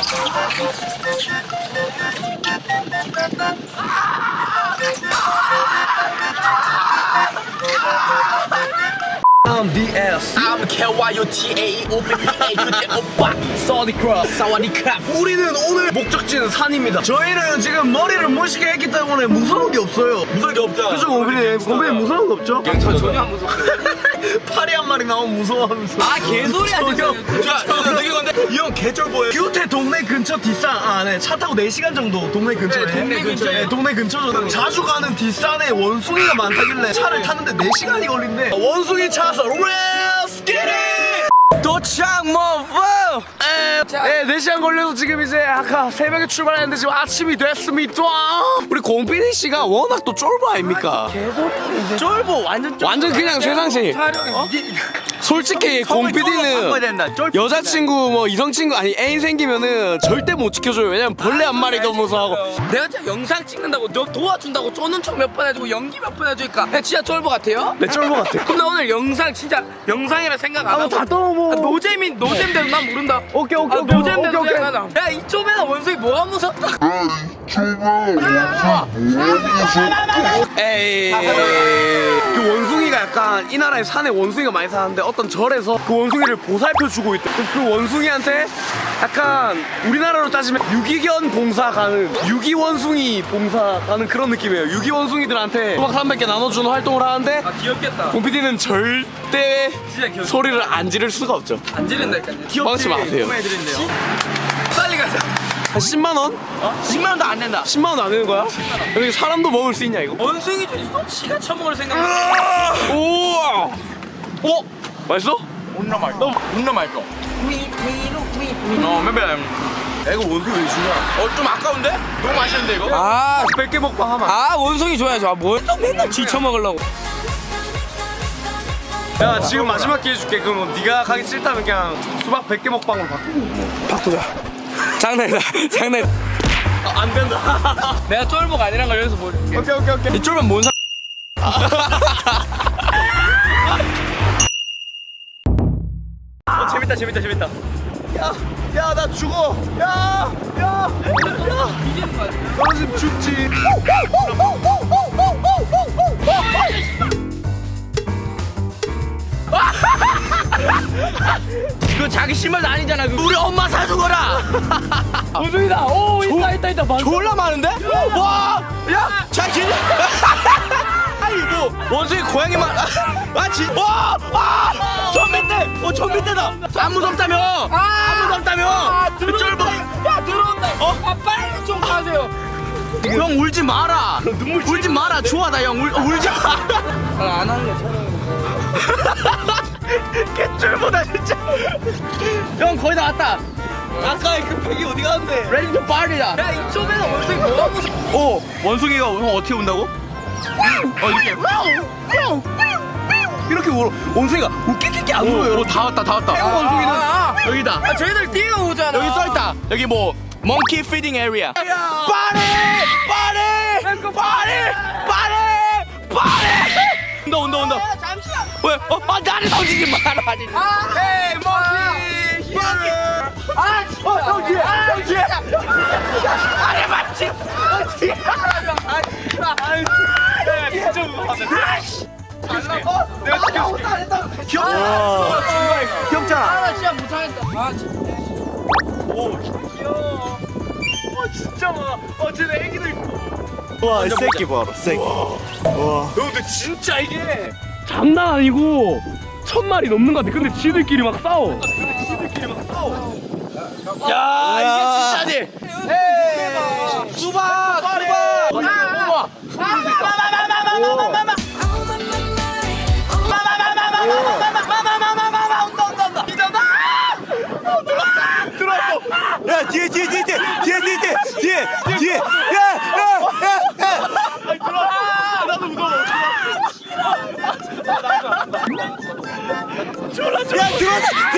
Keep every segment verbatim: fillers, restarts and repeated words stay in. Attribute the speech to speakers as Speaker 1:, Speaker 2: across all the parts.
Speaker 1: I'm 디 에스
Speaker 2: I'm 케이와이오티에이 오피피에이 그때 오빠
Speaker 1: 사와디크랍
Speaker 2: 사와디캅.
Speaker 1: 우리는 오늘 목적지는 산입니다. 저희는 지금 머리를 멋있게 했기 때문에 무서운 게 없어요.
Speaker 2: 무서운 게 없잖아.
Speaker 1: 그죠 곰피디? 곰피디 무서운 거 없죠?
Speaker 2: 저 전혀 안 무서워요.
Speaker 1: 파리 한 마리 나오면 무서워하면서.
Speaker 2: 아 개소리 하지
Speaker 1: 저요.
Speaker 2: 저 되게 건데 이 형 개쩔보예요.
Speaker 1: 규태 동네 근처 뒷산 안에 차 타고 네 시간 정도 동네 근처에
Speaker 2: 네, 동네 근처에.
Speaker 1: 네, 동네 근처죠. 자주 가는 뒷산에 원숭이가 많다길래 차를 탔는데 네 시간이 걸린대. 원숭이 차서 Let's get it!
Speaker 2: 도착 모브.
Speaker 1: 네, 네 시간 걸려서 지금 이제 아까 새벽에 출발했는데 지금 아침이 됐습니다. 우리 공빈이 씨가 워낙 또 쫄보 아닙니까?
Speaker 2: 쫄보 완전 쫄보.
Speaker 1: 완전 그냥 세상식.
Speaker 2: 촬영
Speaker 1: 솔직히 공피디는 여자친구 뭐 이성친구 아니 애인 생기면은 절대 못 지켜줘요. 왜냐면 벌레 한 마리 더 무서워하고.
Speaker 2: 내가 진짜 영상 찍는다고 너 도와준다고 쪼는 척 몇 번 해주고 연기 몇 번 해주니까 야, 진짜 쫄보 같아요?
Speaker 1: 내 쫄보 같아.
Speaker 2: 그럼 나 오늘 영상 진짜 영상이라 생각 안
Speaker 1: 아,
Speaker 2: 하고
Speaker 1: 다 떠먹어.
Speaker 2: 아, 노잼인 노잼대로 난 모른다.
Speaker 1: 오케이 오케이
Speaker 2: 아,
Speaker 1: 오케이
Speaker 2: 노잼대로
Speaker 1: 오케이, 오케이.
Speaker 2: 생각하자. 야 이쪽에는 원숭이 뭐가 무섭다.
Speaker 1: 에이. 그 원숭이가 약간 이 나라에 산에 원숭이가 많이 사는데 어떤 절에서 그 원숭이를 보살펴 주고 있대. 그, 그 원숭이한테 약간 우리나라로 따지면 유기견 봉사 가는 유기 원숭이 봉사 가는 그런 느낌이에요. 유기 원숭이들한테 수박 삼백 개 나눠주는 활동을 하는데
Speaker 2: 아 귀엽겠다.
Speaker 1: 공피디는 절대
Speaker 2: 진짜 귀엽다.
Speaker 1: 소리를 안 지를 수가 없죠.
Speaker 2: 안 지른다니까.
Speaker 1: 뻥치 마세요.
Speaker 2: 해드린대요. 빨리 가자.
Speaker 1: 한 십만 원?
Speaker 2: 어? 십만 원도 안 낸다.
Speaker 1: 십만 원 안 되는 거야? 여기 사람도 먹을 수 있냐 이거?
Speaker 2: 원숭이 좀 지가 처먹을 생각.
Speaker 1: 우와! 어? 맛있어?
Speaker 2: 존나 맛있어. 존나 맛있어. 어, 멤버.
Speaker 1: 야, 이거 원숭이 왜 주냐?
Speaker 2: 어, 좀 아까운데? 너무 맛있는데 이거?
Speaker 1: 아, 백 개 먹방 하면.
Speaker 2: 아, 원숭이 줘야죠. 아, 뭘 또 맨날 쥐 처먹으려고.
Speaker 1: 야, 지금 마지막 기회 줄게. 그럼 네가 가기 싫다면 그냥 수박 백 개 먹방으로 바꾸고. 바꾸자.
Speaker 2: 장난이다. 장난.
Speaker 1: 아, 안 된다.
Speaker 2: 내가 쫄보가 아니란 걸 여기서 보여줄게.
Speaker 1: 오케이, 오케이, 오케이.
Speaker 2: 이 쫄면 뭔 사... 어, 재밌다, 재밌다, 재밌다.
Speaker 1: 야, 야, 나 죽어. 야, 야, 야. 너 지금 죽지.
Speaker 2: 그거 자기 신발도 아니잖아. 그거. 우리 엄마 사주거라. 원숭이다. 오, 있다, 있다, 있다.
Speaker 1: 졸라 많은데? 와, 야, 잘 지내.
Speaker 2: 아니 뭐
Speaker 1: 원숭이 고양이만. 아, 진. 와, 아, 저 밑에. 어, 저 밑에다. 안 무섭다며. 안 무섭다며.
Speaker 2: 아,
Speaker 1: 그 쫄보.
Speaker 2: 야, 들어온다.
Speaker 1: 어?
Speaker 2: 아, 빨리 좀 가세요.
Speaker 1: 형 울지 마라. 울지 마라. 좋아다 형. 울, 울지 마.
Speaker 2: 아, 안 하는 게 촬영.
Speaker 1: 개쫄보다 진짜.
Speaker 2: 형 거의 다 왔다.
Speaker 1: 아까의 그 팩이 어디 갔는데?
Speaker 2: 레디 투 파티다. 야, 이쪽에는 원숭이 뭐가 무서워?
Speaker 1: 어, 원숭이가 형 어떻게 온다고? 어, 이렇게. 이렇게 울, 원숭이가 웃기끼끼 안 울어요. 다 왔다, 다 왔다.
Speaker 2: 태국 원숭이는
Speaker 1: 아, 여기다.
Speaker 2: 아, 저희들 뛰어오잖아.
Speaker 1: 여기 써있다. 여기 뭐 몽키 피딩 에리아. 빠리, 빠리, 빠리, 빠리, 빠리. 온다, 온다, 온다.
Speaker 2: 아, 잠시만.
Speaker 1: 왜? 어, 아, 나를 던지지 마라.
Speaker 2: 아, 헤이 몽키. 몽키. 아, 진짜.
Speaker 1: 어, 형 뒤에,
Speaker 2: 아,
Speaker 1: 형 뒤에.
Speaker 2: 아니 맞지? 맞지? 아, 진짜.
Speaker 1: 야, 진짜 무서워.
Speaker 2: 어?
Speaker 1: 내가 지켜줄게. 귀엽다. 귀엽잖아.
Speaker 2: 아, 나 진짜 못하겠다. 아, 진짜.
Speaker 1: 오, 귀여워. 와, 진짜 많아. 어, 쟤네 애기도 있고.
Speaker 3: 와, 이 새끼 봐라, 새끼. 와.
Speaker 1: 근데 진짜 이게 장난 아니고 천 마리 넘는 것 같아. 근데 지들끼리 막 싸워. 근데 지들끼리 막 싸워. 야, 이게 진짜지. 에이, 수박, 수박. 우와.
Speaker 3: 야, 뒤에, 뒤에, 뒤에, 뒤에, 뒤에, 뒤에, 뒤에, 뒤에, 뒤에. 야, 야, 야, 야.
Speaker 1: 나도 무서워.
Speaker 3: 야, 들어왔다,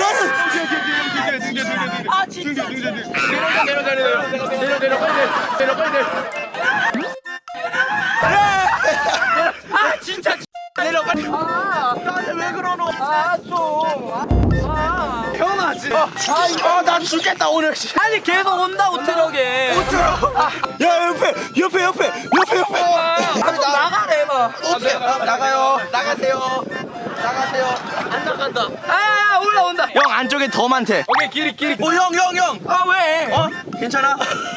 Speaker 3: 들어왔다.
Speaker 2: 아, 진짜.
Speaker 1: 내려 내려 내려 내려 내려 내려 빨리 내려 빨리 내려.
Speaker 2: 아, 진짜.
Speaker 1: 내려 빨리.
Speaker 2: 아,
Speaker 1: 나한테 왜 그러노?
Speaker 2: 아, 좀. 아.
Speaker 1: 형아 진짜. 아나 죽겠다 오늘.
Speaker 2: 아니 계속 온다고 트럭에.
Speaker 3: 야 옆에 옆에 옆에 옆에 옆에.
Speaker 2: 좀 나가래 봐.
Speaker 3: 나가요. 나가세요. 나가세요.
Speaker 2: 안 나간다. 아 올라온다.
Speaker 3: 형 안쪽에 더 많대.
Speaker 2: 오케이 길이 길이.
Speaker 3: 어 형 형 형.
Speaker 2: 아 왜?
Speaker 3: 어 괜찮아?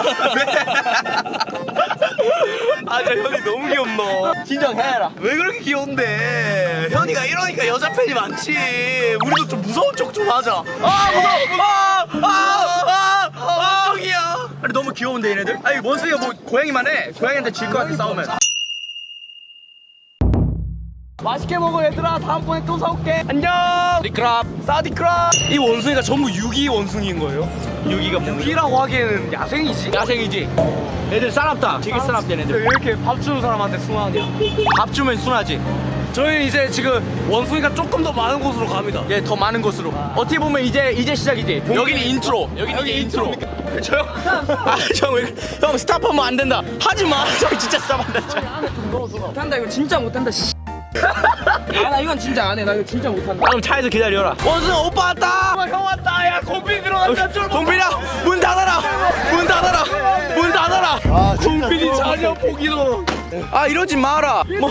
Speaker 1: 아나 현이 너무 귀엽노.
Speaker 2: 진정해라.
Speaker 1: 왜 그렇게 귀여운데? 현이가 이러니까 여자 팬이 많지. 우리도 좀 무서운 척 좀 하자. 아 무서워. 아아아아 저기야.
Speaker 3: 아니 너무 귀여운데 얘네들? 아니 원숭이가 뭐 고양이만 해. 고양이한테 질 것 같아 싸우면.
Speaker 1: 맛있게 먹어 얘들아. 다음번에 또 사올게. 안녕. 사디크랍. 사디크랍. 이 원숭이가 전부 유기 원숭이인 거예요?
Speaker 3: 유기가 뭐?
Speaker 1: 유기라고 하기에는 야생이지.
Speaker 3: 야생이지. 애들 싸납다. 되게 싸납다
Speaker 1: 왜
Speaker 3: 얘네들.
Speaker 1: 이렇게 밥 주는 사람한테 순하냐?
Speaker 3: 밥 주면 순하지.
Speaker 1: 저희 이제 지금 원숭이가 조금 더 많은 곳으로 갑니다.
Speaker 3: 예, 더 많은 곳으로. 어떻게 보면 이제 이제 시작이지. 여기는 인트로. 여기는 이제 인트로. 저 형, 아, 형, 왜, 형 스탑하면 안 된다. 하지 마. 형 진짜 스탑한다.
Speaker 2: 못한다 이거 진짜 못한다. 아 나 이건 진짜 안 해. 나 이거 진짜 못한다.
Speaker 3: 그럼 차에서 기다려라. 원숭이 오빠 왔다.
Speaker 1: 형 왔다. 야 공빈 들어간다.
Speaker 3: 동빈아, 문 닫아라. 문 닫아라. 문 닫아라.
Speaker 1: 공빈이 자녀 보기로.
Speaker 3: 아 이러지 마라. 뭐.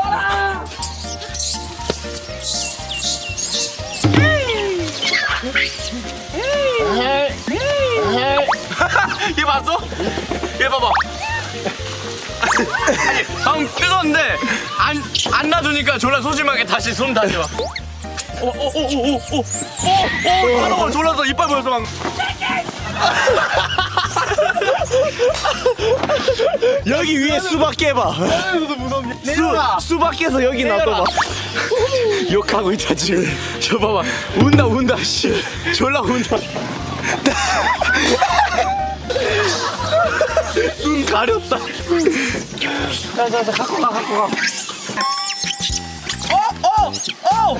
Speaker 3: 얘 봤어? 얘 봐봐. 아니, 방 뜨거운데 안, 안 놔두니까 졸라 소심하게 다시 손 다시 봐. 오, 오, 오, 오, 오, 오, 오, 오, 바로 졸라서 이빨 보여서 막. 여기 위에 수박 깨봐. 수, 수박 깨서 여기 놔둬봐. 욕하고 있다 지금. 저 봐봐. 운다 운다 씨. 졸라 운다. 눈 가렸다. 자자자 갖고 가 갖고 가. 어 어 어.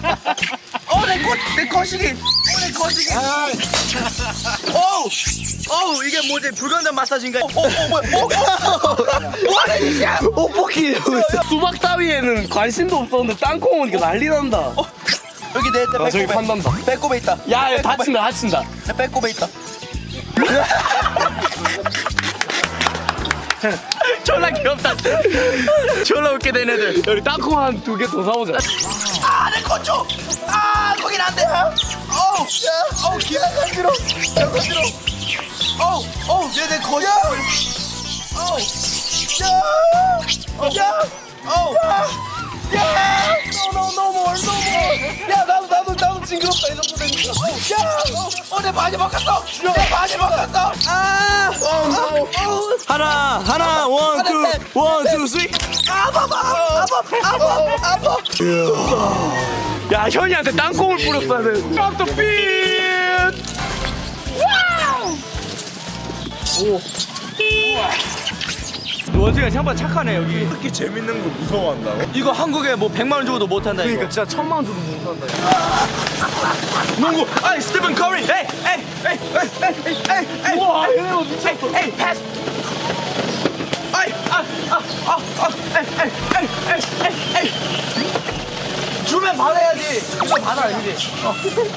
Speaker 3: 어내꽃내 거시기. 어내 거시기. 어우 어우 이게 뭐지 불간단 마사지인가? 어어 뭐야? 뭐하는 짓이야? 오 뽑기.
Speaker 1: 수박 따위에는 관심도 없었는데 땅콩 오니까 난리 난다.
Speaker 3: 여기 내
Speaker 1: 아, 저기 판단다.
Speaker 3: 배꼽에 있다.
Speaker 1: 야, 야 다친다, 다친다.
Speaker 3: 내 배꼽에 있다. 졸라 귀엽다. 졸라 웃게 된 애들.
Speaker 1: 여기 땅콩 한 두 개 더 사오자.
Speaker 3: 아, 내 건조. 아, 거긴 안 돼. 어우, 야, 어우, 기가 간지러. 야, 간지러. 어우, 어우, 얘내 거야. 어우, 야, 야, 어우, 야, no, no, no more, no more. 야, 나도, 나도, 나도 징그럽다. 이 정도 되니까. 야, 어, 내 바지 벗겼어. 내 바지 벗겼어. 아, 어우, 어우. 하나, 하나, 원, 투, 원, 투, 쓰리. 아파, 아파, 아파, 아파.
Speaker 1: 야, 현이한테 땅콩을 뿌렸어야 돼. Drop the beat!
Speaker 3: 원숭이가 생각보다 착하네 여기.
Speaker 4: 이렇게 재밌는 걸 무서워한다고?
Speaker 3: 이거 한국에 뭐 백만 원 주고도 못 한다 이거.
Speaker 1: 그러니까 진짜 천만 원 줘도 못한다.
Speaker 3: 농구. 아이 스티븐 커리. 에이 에이 에이 에이 에이 에이 에이.
Speaker 1: 우와, 얘네가 미쳤다.
Speaker 3: 에이 패스. 아이 아아아아 에이 에이 에이 에이 에이 에이. 주면 받아야지. 이거 받아 이제. 어.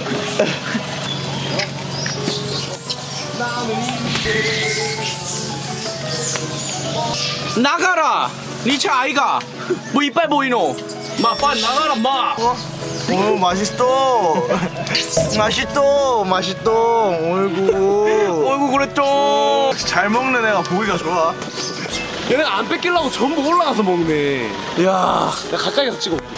Speaker 3: 나가라. 니차 아이가. 뭐 이빨 보이노?
Speaker 1: 마, 빨리 나가라, 마.
Speaker 4: 오 맛있어 맛있어 맛있어 어이구
Speaker 1: 어이구, 그랬죠.
Speaker 4: 잘 먹는 애가 보기가 좋아
Speaker 1: 얘네가 안 뺏기려고 전부 올라가서 먹네.
Speaker 3: 야.
Speaker 1: 내가 가까이 가서 찍어.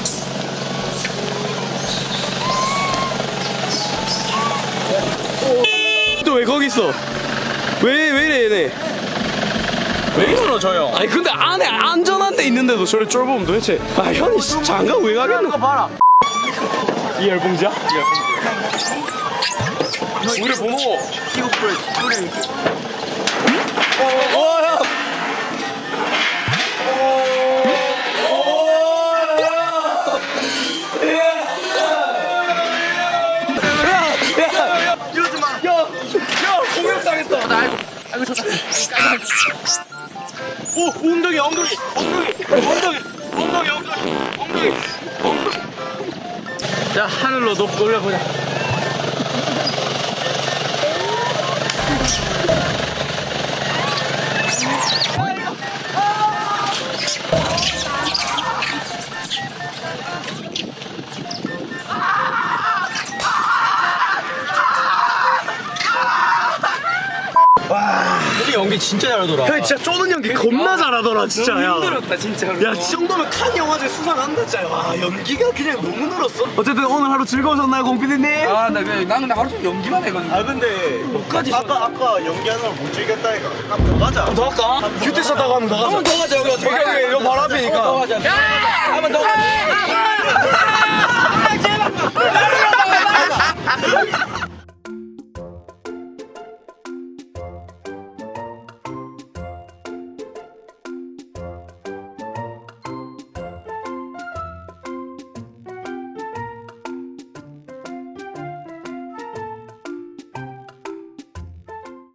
Speaker 1: 또 왜 거기 있어? 왜, 왜 이래, 얘네?
Speaker 3: 왜 이러노 저 형?
Speaker 1: 아니, 근데 안에 안전한 데 있는데도 저를 쫄보면 도대체. 아, 현이 씨, 장가 왜 가겠노?
Speaker 3: 이거 봐라.
Speaker 1: 이 열봉지야? 우리 번호.
Speaker 3: 키고 뿌려 뿌리는.
Speaker 1: 어, 야.
Speaker 3: 이러지 마.
Speaker 1: 야, 야, 공격당했다.
Speaker 3: 아이고 아이고 좋다. 오 엉덩이 엉덩이 엉덩이 엉덩이 엉덩이 엉덩이 엉덩이 엉덩이. 자 하늘로 높 올려보자.
Speaker 2: 연기 진짜 잘하더라.
Speaker 1: 형 진짜 쪼는 연기 겁나 잘하더라 진짜. 야.
Speaker 3: 힘들었다 진짜로.
Speaker 1: 야, 이 정도면 칸 영화제 수상한다 진짜. 와, 연기가 그냥 너무 늘었어. 어쨌든 오늘 하루 즐거우셨나요, 공피디님?
Speaker 3: 아, 나 그냥 나는 하루 종일 연기만 해가지고.
Speaker 4: 아 근데
Speaker 3: 목까지
Speaker 4: 아까 아까 연기하는 걸 못 즐겼다니까. 한번 더 가자.
Speaker 1: 더 할까? 큐티 샷하고 한번 더 가자.
Speaker 3: 한번 더 가자 여기 어떻게?
Speaker 1: 여기, 여기, 이거 바로 앞이니까.
Speaker 3: 더 가자. 한번 더 가자.